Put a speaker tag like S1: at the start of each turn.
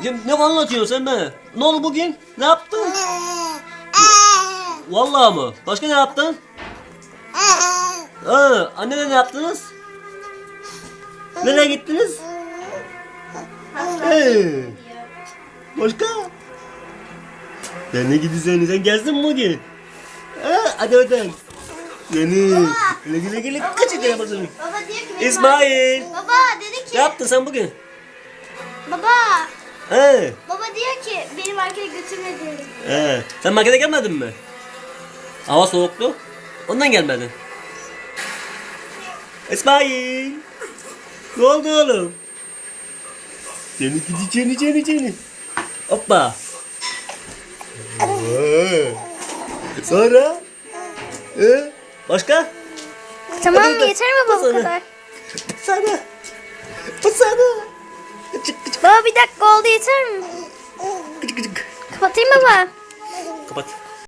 S1: Ne anlatıyorsun sen bana? Ne oldu bugün? Ne yaptın? Vallahi mı? Başka ne yaptın? Annene ne yaptınız? Nereye gittiniz? Başka? Ne gidiyorsun? Sen gezdin mi bugün? Hadi hadi. Güle güle güle. Kaç yere basın?
S2: Baba diyor ki benim
S1: İsmail.
S2: Baba dedi ki.
S1: Ne yaptın sen bugün?
S2: Baba. Baba diyor ki beni markete götürmedi.
S1: Sen markete gelmedin mi? Hava soğuktu. Ondan gelmedin. İsmail. Ne oldu oğlum? Seni gideceğini. Hoppa. Sonra? Başka?
S2: Tamam
S1: Hadi,
S2: mı?
S1: hadi.
S2: Yeter mi baba bu
S1: Sana.
S2: kadar?
S1: Sana.
S2: Baba bir dakika oldu yeter mi?
S1: Gıcık.
S2: Kapatayım baba.
S1: Kapat.